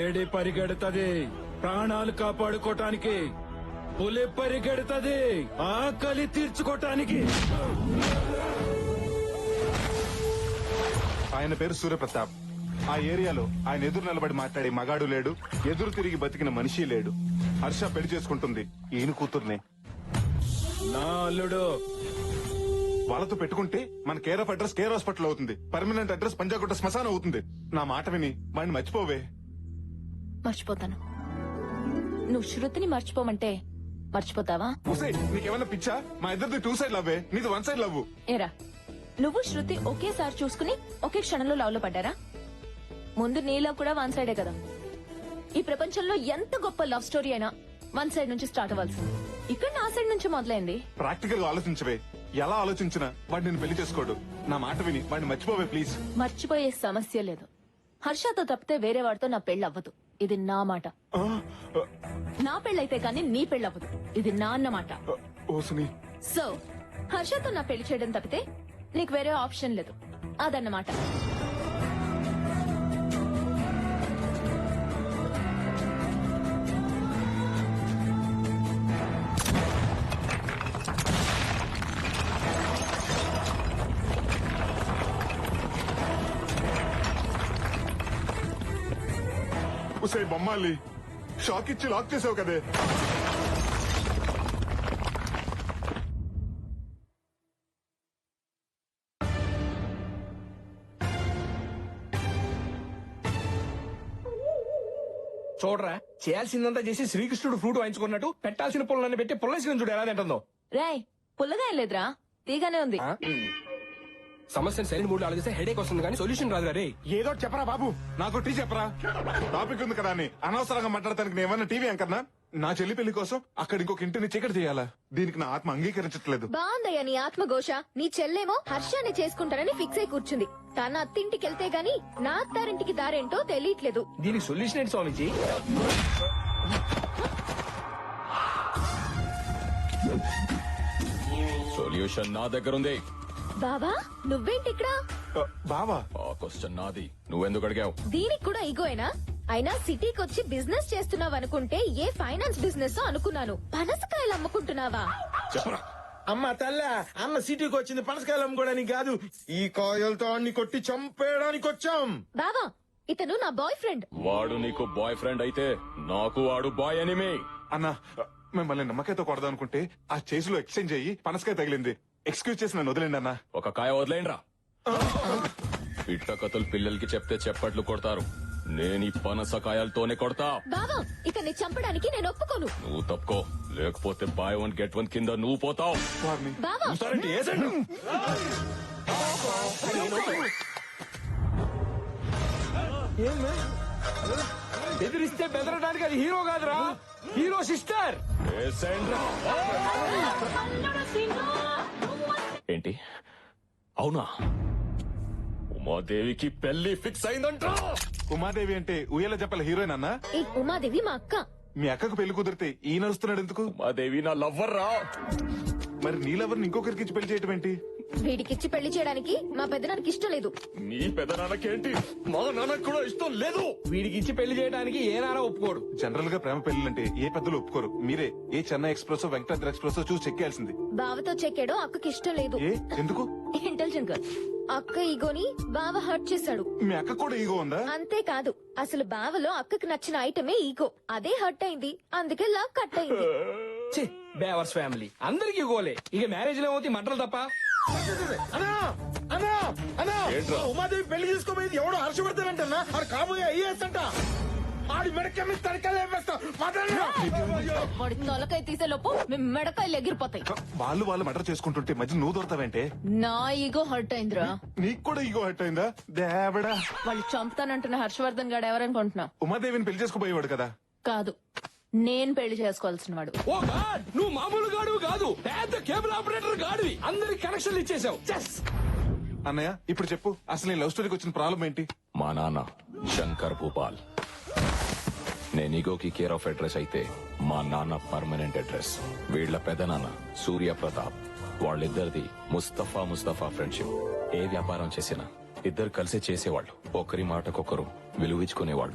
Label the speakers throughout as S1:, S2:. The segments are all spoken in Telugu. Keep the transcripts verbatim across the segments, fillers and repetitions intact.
S1: లేడీ పరిగెడతది ప్రాణాలు కాపాడుకోటానికి, పులి పరిగెడతది ఆకలి తీర్చుకోటానికి.
S2: ఆయన పేరు సూర్యప్రతాప్. ఆ ఏరియాలో ఆయన ఎదురు నిలబడి మాట్లాడే మగాడు లేడు, ఎదురు తిరిగి బతికిన మనిషి లేడు. హర్ష పెళ్లి చేసుకుంటుంది ఈయన కూతుర్నే.
S1: నా అల్లుడు
S2: వాళ్ళతో పెట్టుకుంటే మన care of address care hospital అవుతుంది, పర్మనెంట్ అడ్రస్ పంజాగుట్ట శ్మశానం అవుతుంది. నా మాట విని వాడిని మర్చిపోవే.
S3: మర్చిపోతాను. నువ్వు శృతిని మర్చిపోమంటే మర్చిపోతావా?
S2: నీకేమన్నా పిచ్చా? మా ఇద్దరిది టూ సైడ్ లవ్వే, నీది వన్ సైడ్ లవ్.
S3: ఏరా, నువ్వు శృతి ఒకేసారి చూసుకుని ఒకే క్షణంలో లవ్ లో పడ్డారా? ముందు నీలో కూడా వన్ సైడే కదా. ఈ ప్రపంచంలో ఎంత గొప్ప లవ్ స్టోరీ అయినా వన్ సైడ్ నుంచి స్టార్ట్ అవ్వాల్సింది. ఇక్కడ నా సైడ్ నుంచి మొదలైంది.
S2: ప్రాక్టికల్ గా ఆలోచించవే. ఎలా ఆలోచించినా వాడు నేను పెళ్లి చేసుకోడు. నా మాట విని వాడిని మర్చిపోవే ప్లీజ్.
S3: మర్చిపోయే సమస్య లేదు. హర్షతో తప్పితే వేరే వాడితో నా పెళ్లి అవ్వదు. ఇది నా మాట. నా పెళ్ళైతే కానీ నీ పెళ్లి అవ్వదు. ఇది నా అన్నమాట. సో హర్షతో నా పెళ్లి చేయడం తప్పితే నీకు వేరే ఆప్షన్ లేదు. అదన్నమాట.
S2: ఉసే బొమ్మాలి, షాక్ ఇచ్చి లాక్ చేసావు కదే.
S4: చూడరా, చేయాల్సిందంతా చేసి శ్రీకృష్ణుడు ఫ్రూట్ వాయించుకున్నట్టు పెట్టాల్సిన పుల్లన్ని పెట్టి పుల్లేసిన చూడు ఎలా తింటుందో.
S3: రాయ్, పుల్లగా ఏం లేదురా, తీగానే ఉంది.
S4: సమస్యను సరైన మూడు ఆలోచిస్తే హెడేక్ వస్తుంది కానీ సొల్యూషన్ రాదు రే.
S2: ఏదో చెప్పరా బాబు, నాకు టీ చెప్పరా. టాపిక్ ఉంది కదా అని అనవసరంగా మాట్లాడటానికి నేమన్నా టీవీ అంకర్నా? నా చెల్లి పెళ్లి కోసం అక్కడ ఇంకొక ఇంటిని చీకటి చేయాలా? దీనికి నా ఆత్మ అంగీకరించట్లేదు.
S5: బాగుందయ్యా నీ ఆత్మఘోష. నీ చెల్లేమో హర్షాన్ని చేసుకుంటానని ఫిక్స్ అయి కూర్చుంది. తన అత్తింటికి వెళ్తే గాని నా అత్తారింటికి దారేంటో తెలియట్లేదు.
S4: దీనికి సొల్యూషన్ ఏంటి స్వామిజీ?
S6: సొల్యూషన్ నా దగ్గర ఉంది.
S5: బావా, నువ్వేంటి ఇక్కడ?
S2: బావా,
S6: ఆ క్వశ్చన్ నాది, నువ్వెందుకు అడిగావు?
S5: దీనికి కూడా ఈగోయేనా? అయినా సిటీకి వచ్చి బిజినెస్ చేస్తున్నావు అనుకుంటే ఏ ఫైనాన్స్ బిజినెస్ అనుకున్నాను. పనసకాయలు అమ్ముకుంటున్నావా?
S6: చెప్పరా.
S7: అమ్మ తల్ల, అన్న సిటీకి వచ్చింది పనసకాయలు అమ్ముకోవడానికి కాదు, ఈ కాయలతో అన్ని కొట్టి చంపేయడానికి వచ్చాం.
S5: బావా, ఇతను నా బాయ్ ఫ్రెండ్.
S6: వాడు నీకు బాయ్ ఫ్రెండ్ అయితే నాకు వాడు బాయ్ ఎనిమి.
S2: అన్నా మిమ్మల్ని నమ్మకాయతో కొడదాం అనుకుంటే ఆ చేసిలో ఎక్స్చేంజ్ అయ్యి పనసకాయ తగిలింది. ఎక్స్క్యూజ్ చేసి నన్ను వదిలేండి అన్నా.
S6: ఒక కాయ వదిలేండ్రా. పిట్ట కథలు పిల్లలకి చెప్తే చెప్పట్లు కొడతారు, నేను ఈ పనసకాయలతోనే కొడతా.
S5: బావా, ఇతన్ని చంపడానికి నేను ఒప్పుకోను.
S6: నువ్వు తప్పుకో, లేకపోతే బాయ్ వన్ గెట్ వన్ కింద నువ్వు పోతావు.
S5: బావా,
S4: బెదిరిస్తే బెదరడానికి అది హీరో కాదురా, హీరో సిస్టర్.
S6: ఏంటి అవునా? ఉమాదేవికి పెళ్లి ఫిక్స్ అయిందంట.
S2: ఉమాదేవి అంటే ఉయ్యాల చెప్పల హీరోయిన్ అన్నా?
S5: ఈ ఉమాదేవి మా అక్క.
S2: మీ అక్కకు పెళ్లి కుదిరితే ఈ నడుస్తున్నాడు ఎందుకు?
S6: ఉమాదేవి నా లవ్వర్ రా.
S2: మరి నీ లవర్ని ఇంకొకరికి ఇచ్చి పెళ్లి చేయటం ఏంటి?
S5: వీడికిచ్చి పెళ్లి చేయడానికి మా పెద్దనానికి ఇష్టం లేదు.
S6: నీ పెదనాన్నకేంటి? మా నాన్నకు కూడా ఇష్టం లేదు.
S4: వీడికి ఇచ్చి పెళ్లి చేయడానికి ఏ నాన్న ఒప్పుకోడు.
S2: జనరల్ గా ప్రేమ పెళ్లింటే ఏ పెద్దలు ఒప్పుకోరు. మీరే ఏ చెన్నై ఎక్స్ప్రెస్ వెంకటాద్రి ఎక్స్ప్రెస్ చూసి చెక్కేయాల్సింది.
S5: బావతో చెక్కాడో అక్కకి ఇష్టం లేదు.
S2: ఏ ఎందుకు?
S5: Intelligent girl. అక్క ఈగోని బావ హర్ట్ చేశాడు.
S2: మీ అక్క కూడా ఈగో ఉందా?
S5: అంతేకాదు, అసలు బావలో అక్కకి నచ్చిన ఐటమే ఈగో. అదే హర్ట్ అయింది, అందుకే లవ్ కట్ అయింది.
S4: బేవర్స్ ఫ్యామిలీ అందరికి గోలే. ఇక మ్యారేజ్ లో ఏమవుతాయి మంటలు తప్ప.
S7: అన్నా అన్నా అన్నా, ఉమాదేవి పెళ్లి చేసుకోబోయేది ఎవడో హర్షవర్ధన్ ఆడు కాబోయే ఐఏఎస్ అంట. ఆడి మెడక మీద తడకలు వేస్తా.
S3: వాడి తొలకాయ తీసే లోపు మీ మెడకాయలు ఎగిరిపోతాయి.
S2: వాళ్ళు వాళ్ళు మటర్ చేసుకుంటుంటే మధ్య నువ్వు దొరతావేంటే?
S3: నా ఈగో హర్ట్ అయిందిరా.
S2: నీకు కూడా ఈగో హర్ట్ అయిందా? దేవడా,
S3: వాళ్ళు చంపుతానంటున్న హర్షవర్ధన్ గాడు ఎవరనుకుంటున్నావు?
S2: ఉమాదేవిని పెళ్లి చేసుకోబోయేవాడు కదా.
S3: కాదు, నేను పెళ్లి చేసుకోవాల్సిన వాడు.
S4: ఓ గాడ్, నువ్వు మామూలు గాడు కాదు, పెద్ద కేబుల్ ఆపరేటర్ గాడివి. అందరికి కనెక్షన్లు ఇచ్చేసావు.
S2: అన్నయ్య ఇప్పుడు చెప్పు, అసలు ఈ లవ్ స్టోరీకి వచ్చిన ప్రాబ్లం ఏంటి?
S6: మా నాన్న శంకర్ భూపాల్, నేను ఈగోకి కేర్ ఆఫ్ అడ్రస్ అయితే మా నాన్న పర్మనెంట్ అడ్రస్. వీళ్ల పెదనాన్న సూర్య ప్రతాప్, వాళ్ళిద్దరిది ముస్తఫా ముస్తఫా ఫ్రెండ్షిప్. ఏ వ్యాపారం చేసినా ఇద్దరు కలిసి చేసేవాళ్ళు, ఒకరి మాటకొకరు విలువించుకునేవాళ్ళు.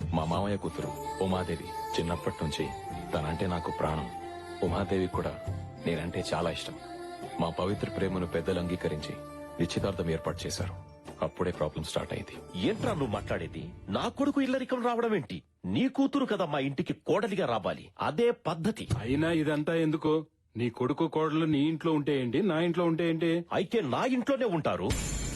S6: మా మామయ్య కూతురు ఉమాదేవి చిన్నప్పటి నుంచి తనంటే నాకు ప్రాణం. ఉమాదేవి కూడా నేనంటే చాలా ఇష్టం. మా పవిత్ర ప్రేమను పెద్దలు అంగీకరించి నిశ్చితార్థం ఏర్పాటు చేశారు. అప్పుడే ప్రాబ్లం స్టార్ట్ అయింది.
S8: ఏంట్రా నువ్వు మాట్లాడేది? నా కొడుకు ఇల్లరికం రావడం ఏంటి? నీ కూతురు కదా మా ఇంటికి కోడలిగా రావాలి, అదే పద్ధతి.
S1: అయినా ఇదంతా ఎందుకు? నీ కొడుకు కోడలు నీ ఇంట్లో ఉంటే ఏంటి, నా ఇంట్లో ఉంటే ఏంటి?
S8: అయితే నా ఇంట్లోనే ఉంటారు.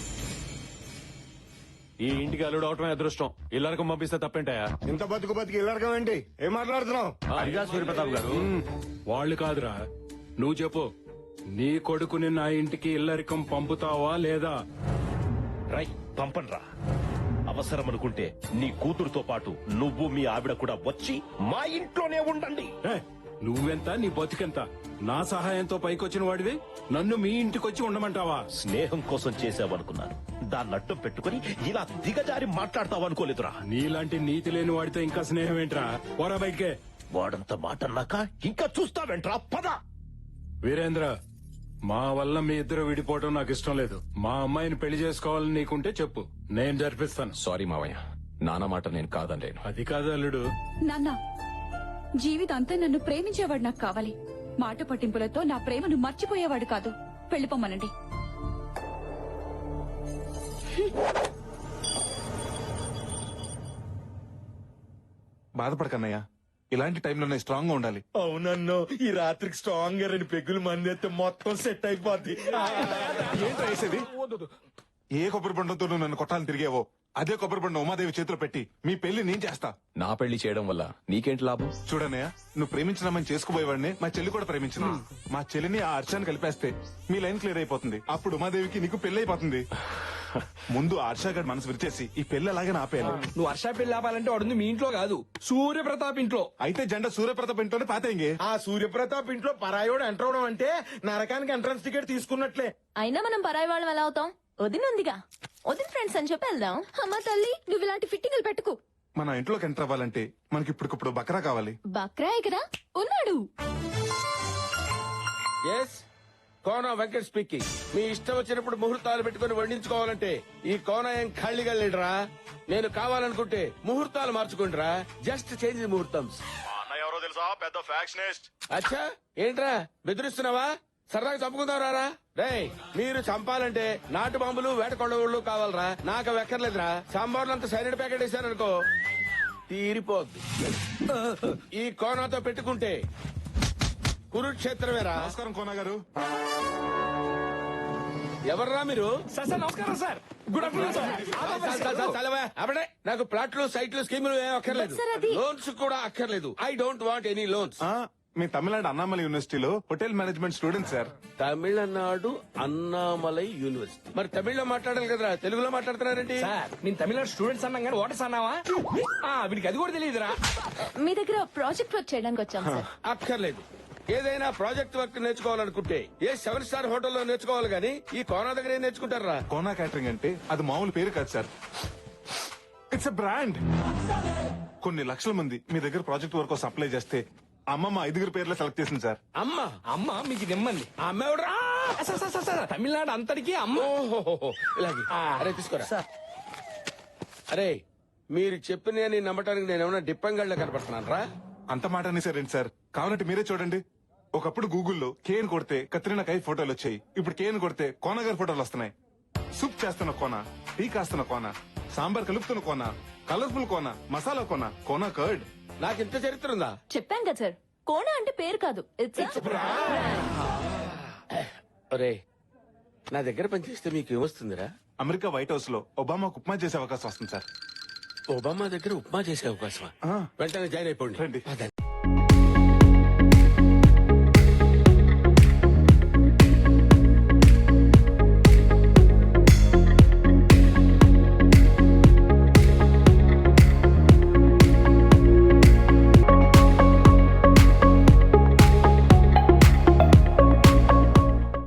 S9: ఈ ఇంటికి అల్లుడు అవటమే అదృష్టం. ఇల్లరికం పంపిస్తే తప్పేంటాయా?
S7: ఇంత బతుకు బతికి ఇల్లరకం ఏంటి? ఏం మాట్లాడుతున్నావు?
S9: అడిగా సూర్యప్రతాప్ గారు.
S1: ఉమ్, వాళ్ళు కాదురా, నువ్వు చెప్పు. నీ కొడుకుని నా ఇంటికి ఇల్లరికం పంపుతావా లేదా?
S8: రై పంపన్రా. అవసరం అనుకుంటే నీ కూతురుతో పాటు నువ్వు మీ ఆవిడ కూడా వచ్చి మా ఇంట్లోనే ఉండండి.
S1: ఏ, నువ్వెంత, నీ బతికెంత? నా సహాయంతో పైకొచ్చిన వాడివి నన్ను మీ ఇంటికొచ్చి ఉండమంటావా?
S8: స్నేహం కోసం చేసావనుకున్నాను, దాన్ని అడ్డం పెట్టుకుని ఇలా దిగజారి మాట్లాడతావనుకోలేదురా.
S1: నీలాంటి నీతి లేని వాడితో ఇంకా స్నేహం ఏంట్రా? పోరా బయటికే.
S8: వాడంత మాట అన్నాక ఇంకా చూస్తావేంట్రా? పద.
S1: వీరేంద్ర, మా వల్ల మీ ఇద్దరు విడిపోవడం నాకు ఇష్టం లేదు. మా అమ్మాయిని పెళ్లి చేసుకోవాలని నీకుంటే చెప్పు, నేను జరిపిస్తాను.
S6: సారీ మావయ్య, నాన్న మాట నేను కాదనలేను.
S1: అది కాదు అల్లుడు.
S10: నాన్న, జీవితాంతా నన్ను ప్రేమించేవాడు నాకు కావాలి. మాట పట్టింపులతో నా ప్రేమను మర్చిపోయేవాడు కాదు. వెళ్ళిపోమనండి.
S2: బాధపడకన్నయ్యా, ఇలాంటి టైంలోనే స్ట్రాంగ్ గా ఉండాలి.
S7: అవునన్ను ఈ రాత్రికి స్ట్రాంగ్ గా రెండు పెగ్గులు మంది అయితే మొత్తం సెట్ అయిపోద్ది.
S2: ఏంట్రా వేసేది? ఏ కొబ్బరి బండంతో నువ్వు నన్ను కొట్టాలని తిరిగేవో అదే కొబ్బరి బండం ఉమాదేవి చేతిలో పెట్టి మీ పెళ్లి నేను చేస్తా.
S6: నా పెళ్లి చేయడం వల్ల నీకేంటి లాభం?
S2: చూడన్నయ్య, నువ్వు ప్రేమించినామని చేసుకుపోయేవాడిని మా చెల్లి కూడా ప్రేమించిన. మా చెల్లిని ఆ హర్షాన్ని కలిపేస్తే మీ లైన్ క్లియర్ అయిపోతుంది. అప్పుడు ఉమాదేవికి నీకు పెళ్లి అయిపోతుంది. ముందు ఆ హర్షాగడ్ మనసు విరిచేసి ఈ పెళ్లి అలాగే ఆపేయాలి.
S4: నువ్వు వర్ష పెళ్లి ఆపాలంటే వాడుంది మీ ఇంట్లో కాదు, సూర్యప్రతాప్ ఇంట్లో.
S2: అయితే జెండా సూర్యప్రతాప్ ఇంట్లోనే పాతేంగే.
S7: ఆ సూర్యప్రతాప్ ఇంట్లో పరాయోడు ఎంటర్ అవడం అంటే నరకానికి ఎంట్రన్స్ టికెట్ తీసుకున్నట్లే.
S3: అయినా మనం పరాయి వాళ్ళం ఎలా అవుతాం? వదినుందిగా, వదిన ఫ్రెండ్స్ అని చెప్పి వెళ్దాం.
S5: అమ్మా తల్లి, నువ్వు ఇలాంటి ఫిట్టింగ్లు పెట్టుకు.
S2: మన ఇంట్లోకి ఎంటర్ అవ్వాలంటే మనకి ఇప్పటికిప్పుడు బకరా కావాలి.
S5: బక్రా కదా ఉన్నాడు.
S11: Yes, Kona Venkat speaking. మీ ఇష్టం వచ్చినప్పుడు ముహూర్తాలు పెట్టుకుని వండించుకోవాలంటే ఈ కోన ఏం ఖాళీగా లేడురా. నేను కావాలనుకుంటే ముహూర్తాలు మార్చుకుంటారా. జస్ట్ చేంజ్ ముహూర్తం.
S9: ఎవరో తెలుసా? పెద్ద ఫ్యాక్షనిస్ట్.
S11: అచ్చా, ఏంట్రా బెదిరిస్తున్నావా? సరదాగా చంపుకుందాం రారా. రేయ్, మీరు చంపాలంటే నాటు బాంబులు వేట కొండవుళ్ళు కావాలరా. నాకు అవి ఎక్కర్లేదురా. సాంబార్లు అంతా సైలెంట్ ప్యాకెట్ వేసారనుకో తీరిపోద్ది. ఈ కోనాతో పెట్టుకుంటే కురుక్షేత్రమేరా.
S2: నమస్కారం కోన గారు.
S11: ఎవర్రా మీరు?
S4: సార్ సార్ నమస్కారం సార్. Good afternoon sir.
S11: చాలు, చాలు, చాలు, చాలవా? అప్పుడే నాకు ప్లాట్లు సైట్లు స్కీములు ఏం అక్కర్లేదు.
S3: సార్, అది-
S11: లోన్స్ కూడా అక్కర్లేదు. I don't want any loans.
S2: ఆ, మీ తమిళనాడు అన్నామలై యూనివర్సిటీలో hotel management student sir.
S11: Tamil Nadu Annamalai university. మరి తమిళ్లో మాట్లాడాలి కదరా, తెలుగులో మాట్లాడుతున్నారేంటి?
S4: సార్, నేను తమిళనాడు స్టూడెంట్స్ అన్నాం కానీ ఓటర్స్ అన్నావా? ఆ, వీడికి అది కూడా తెలియదురా.
S3: మీ దగ్గర ప్రాజెక్ట్ వర్క్ చేయడానికి వచ్చాం సార్.
S11: అక్కర్లేదు. ఏదైనా ప్రాజెక్ట్ వర్క్ నేర్చుకోవాలనుకుంటే ఏ సెవెన్ స్టార్ హోటల్లో నేర్చుకోవాలి గానీ ఈ కోనా దగ్గర ఏం నేర్చుకుంటారా?
S2: కోనా క్యాటరింగ్ అంటే అది మామూలు పేరు కాదు సార్, ఇట్స్ ఎ బ్రాండ్. కొన్ని లక్షల మంది మీ దగ్గర ప్రాజెక్ట్ వర్క్ కోసం అప్లై చేస్తే అమ్మమ్మ ఐదుగురు పేర్లు సెలెక్ట్ చేసింది సార్.
S11: అమ్మ
S4: అమ్మ మీకు నిమ్మంది.
S11: ఆ అమ్మ ఎవడురా?
S4: Sir sir sir, sir Tamil Nadu అంతటికి అమ్మ.
S11: ఓహోహోహో, ఇలాగే. అరే తీసుకోరా. అరే, మీరు చెప్పిన నమ్మటానికి నేను ఏమైనా డిప్పంగళ్ళ కనపడుతున్నాను రా?
S2: అంత మాట అనేసారేంటి సార్? కావాలంటే మీరే చూడండి. ఒకప్పుడు గూగుల్లో కేన్ కొడితే కత్రినా కై ఫోటోలు వచ్చాయి. ఇప్పుడు కేన్ కొడితే కోన గారి ఫోటోలు వస్తున్నాయి. సూప్ చేస్తున్న కోన, టీ కాస్తున్న కోన, సాంబార్ కలుపుతున్న కోన, కలర్ఫుల్ కోన, మసాలా కోన, కోన కర్డ్.
S11: నాకు ఇంత చరిత్ర ఉందా?
S3: చెప్పాం కదా సార్, కోణ అంటే పేరు కాదు, ఇట్స్
S11: ఒరే, నా దగ్గర పనిచేస్తే మీకు ఏమొస్తుందిరా?
S2: అమెరికా వైట్ హౌస్ లో ఒబామాకు ఉప్మా చేసే అవకాశం వస్తుంది సార్.
S11: ఒబామా దగ్గర ఉప్మా చేసే అవకాశమా?
S2: ఆ.
S11: వెంటనే జాయిన్ అయిపోండి.
S2: రండి.